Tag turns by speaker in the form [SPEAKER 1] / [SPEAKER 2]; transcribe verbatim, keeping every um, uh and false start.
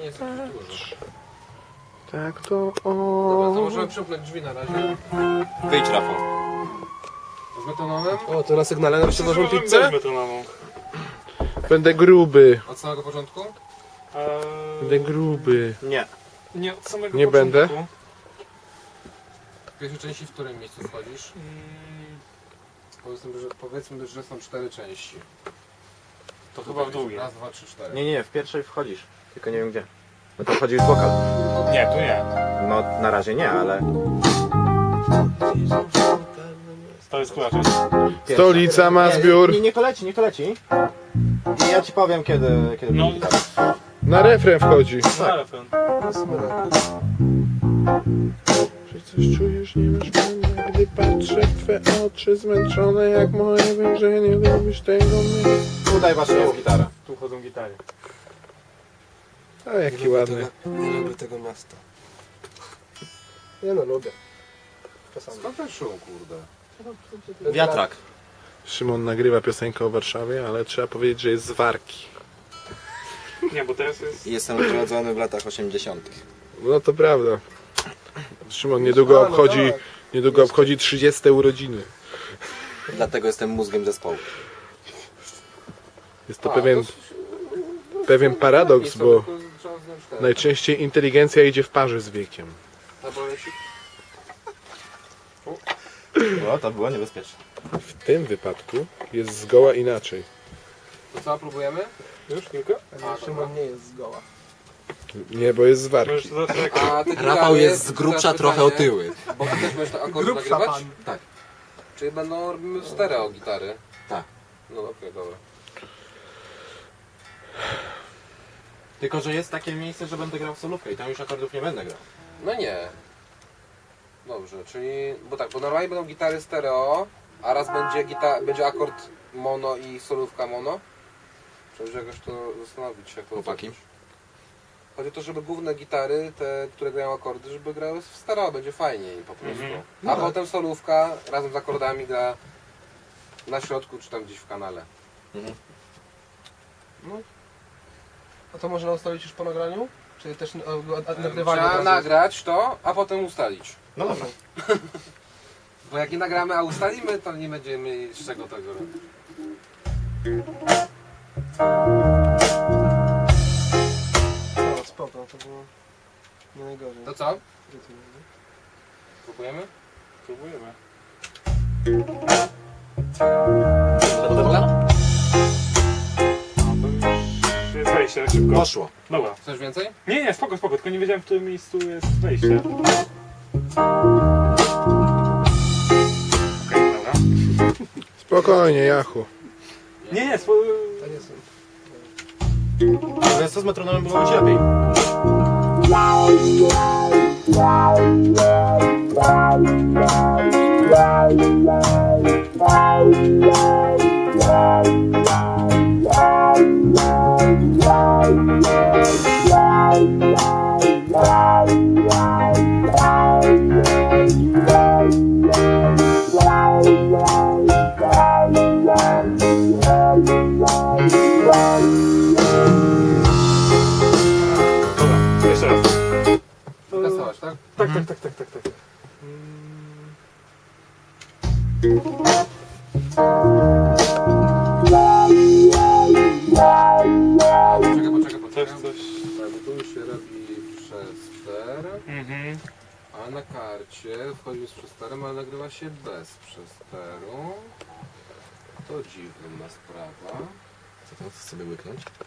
[SPEAKER 1] jest tak dużo.
[SPEAKER 2] Tak to
[SPEAKER 1] Dobra, to
[SPEAKER 2] o.
[SPEAKER 1] możemy przymknąć drzwi na razie.
[SPEAKER 3] Wyjdź, Rafał.
[SPEAKER 1] Z betonowym.
[SPEAKER 2] O, to na sygnale nam przywożą
[SPEAKER 4] Możemy
[SPEAKER 2] pizzę?
[SPEAKER 4] bez betonową.
[SPEAKER 2] Będę gruby.
[SPEAKER 1] Od samego początku?
[SPEAKER 4] Eee,
[SPEAKER 2] Będę gruby.
[SPEAKER 3] Nie.
[SPEAKER 4] nie, od samego
[SPEAKER 2] Nie
[SPEAKER 4] początku.
[SPEAKER 2] będę.
[SPEAKER 1] W pierwszej części w którym miejscu wchodzisz?
[SPEAKER 4] Mm,
[SPEAKER 1] Powiedzmy, że, powiedzmy, że są cztery części.
[SPEAKER 4] to chyba w drugiej.
[SPEAKER 1] Raz, dwa, trzy, cztery.
[SPEAKER 3] Nie, nie, w pierwszej wchodzisz. Tylko nie wiem gdzie. No to wchodzisz wokal.
[SPEAKER 4] Nie, tu nie.
[SPEAKER 3] No na razie nie, ale...
[SPEAKER 4] To jest która
[SPEAKER 2] Stolica ma zbiór.
[SPEAKER 3] Nie, nie to leci, nie to leci. I ja ci powiem kiedy... kiedy
[SPEAKER 4] No,
[SPEAKER 3] będzie.
[SPEAKER 2] Na refren wchodzi.
[SPEAKER 4] telefon.
[SPEAKER 2] Czy coś czujesz, nie masz pojęcia, gdy patrzę w twe oczy zmęczone jak moje wężenie, lubisz tego mnie.
[SPEAKER 3] Tutaj właśnie jest gitara.
[SPEAKER 4] Tu chodzą gitary.
[SPEAKER 2] A jaki ładny.
[SPEAKER 5] Nie lubię tego miasta.
[SPEAKER 2] Nie no, lubię. Czasami.
[SPEAKER 1] Skąd ten szum, kurde?
[SPEAKER 3] Wiatrak.
[SPEAKER 2] Szymon nagrywa piosenkę o Warszawie, ale trzeba powiedzieć, że jest z Warki.
[SPEAKER 4] Nie, bo teraz jest...
[SPEAKER 3] Jestem urodzony w latach osiemdziesiątych.
[SPEAKER 2] No to prawda. Szymon niedługo obchodzi, niedługo obchodzi trzydzieste urodziny.
[SPEAKER 3] Dlatego jestem mózgiem zespołu.
[SPEAKER 2] Jest to
[SPEAKER 1] A,
[SPEAKER 2] pewien,
[SPEAKER 1] to-
[SPEAKER 2] pewien paradoks,
[SPEAKER 1] Nic,
[SPEAKER 2] bo
[SPEAKER 1] to tylko trzeba zdjąć ten.
[SPEAKER 2] najczęściej inteligencja idzie w parze z wiekiem.
[SPEAKER 1] Albo jeśli...
[SPEAKER 3] No, to było niebezpieczne.
[SPEAKER 2] W tym wypadku jest zgoła inaczej.
[SPEAKER 1] To co, próbujemy?
[SPEAKER 4] Już kilka?
[SPEAKER 1] A, Szymon
[SPEAKER 5] nie jest z goła.
[SPEAKER 2] Nie, bo jest z
[SPEAKER 4] Możesz
[SPEAKER 2] Warki.
[SPEAKER 4] to zacząć.
[SPEAKER 1] A ty
[SPEAKER 3] Rafał
[SPEAKER 1] gitary,
[SPEAKER 3] jest z
[SPEAKER 1] to
[SPEAKER 3] grubsza
[SPEAKER 1] teraz
[SPEAKER 3] trochę
[SPEAKER 1] pytanie,
[SPEAKER 3] otyły.
[SPEAKER 1] Bo ty też będziesz to akord
[SPEAKER 5] Grubsza
[SPEAKER 1] nagrywać?
[SPEAKER 5] pan.
[SPEAKER 1] Tak. Czyli będą robimy stereo gitary?
[SPEAKER 3] Tak.
[SPEAKER 1] No okej, dobra.
[SPEAKER 3] Tylko, że jest takie miejsce, że będę grał w solówkę i tam już akordów nie będę grał.
[SPEAKER 1] No nie. Dobrze, czyli... Bo tak, bo normalnie będą gitary stereo, a raz będzie, gita... będzie akord mono i solówka mono. Trzeba jakoś to zastanowić się, jak to
[SPEAKER 3] Chłopaki?
[SPEAKER 1] zrobić. Chodzi o to, żeby główne gitary, te, które grają akordy, żeby grały w stereo, będzie fajniej po prostu.
[SPEAKER 4] Mhm.
[SPEAKER 1] A potem solówka razem z akordami gra na środku, czy tam gdzieś w kanale.
[SPEAKER 3] Mhm.
[SPEAKER 5] A to można ustalić już po nagraniu? Czy też a, a, a, nagrywanie?
[SPEAKER 1] Trzeba
[SPEAKER 5] od razu?
[SPEAKER 1] nagrać to, a potem ustalić.
[SPEAKER 3] No dobra.
[SPEAKER 1] Bo jak nie nagramy, a ustalimy, to nie będziemy mieli z czego tego robić.
[SPEAKER 5] No, spoko, to było nie najgorzej.
[SPEAKER 1] To co? Próbujemy?
[SPEAKER 4] Próbujemy. No to już jest wejście, tak szybko.
[SPEAKER 3] Poszło.
[SPEAKER 4] Dobra.
[SPEAKER 1] Coś więcej?
[SPEAKER 4] Nie, nie, spoko, spoko, tylko nie wiedziałem, w którym miejscu jest wejście. Okej, dobra.
[SPEAKER 2] Spokojnie, Jachu.
[SPEAKER 4] Nie, nie, spo...
[SPEAKER 5] To nie są.
[SPEAKER 3] Więc to z metronomem było być lepiej.
[SPEAKER 4] Dobra, jeszcze raz.
[SPEAKER 1] Testować, tak?
[SPEAKER 4] Tak, tak, tak, tak, tak, tak.
[SPEAKER 1] Poczekaj, poczekaj,
[SPEAKER 4] Coś,
[SPEAKER 1] poczekaj.
[SPEAKER 4] coś.
[SPEAKER 1] Tak, bo tu już się robi przester,
[SPEAKER 4] Mhm.
[SPEAKER 1] a na karcie wchodzi z przesterem, ale nagrywa się bez przesteru. To dziwna sprawa.
[SPEAKER 3] Co to sobie łyknąć?